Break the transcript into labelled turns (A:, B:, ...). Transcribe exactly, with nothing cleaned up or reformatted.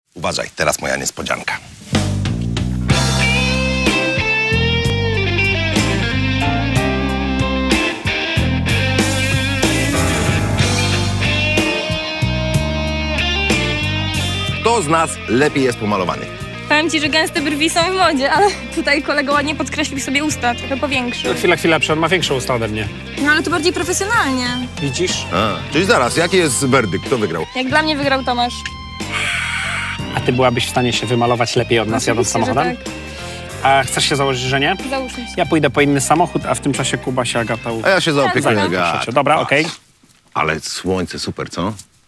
A: Uważaj, teraz moja niespodzianka. Kto z nas lepiej jest pomalowany?
B: Powiem ci, że gęste brwi są w modzie, ale tutaj kolega ładnie podkreślił sobie usta, trochę powiększył.
C: Chwila, chwila, on ma większą usta ode mnie.
B: No ale to bardziej profesjonalnie.
C: Widzisz?
A: A, czyli zaraz, jaki jest werdykt? Kto wygrał?
B: Jak dla mnie wygrał Tomasz.
C: A ty byłabyś w stanie się wymalować lepiej od nas jadąc
B: Oczywiście, że
C: samochodem?
B: tak.
C: A chcesz się założyć, że nie?
B: Załóżmy się.
C: Ja pójdę po inny samochód, a w tym czasie Kuba się Agata u...
A: A ja się zaopiekuję.
B: Tak,
A: Gat.
C: Dobra, okej.
A: Ale słońce, super, co?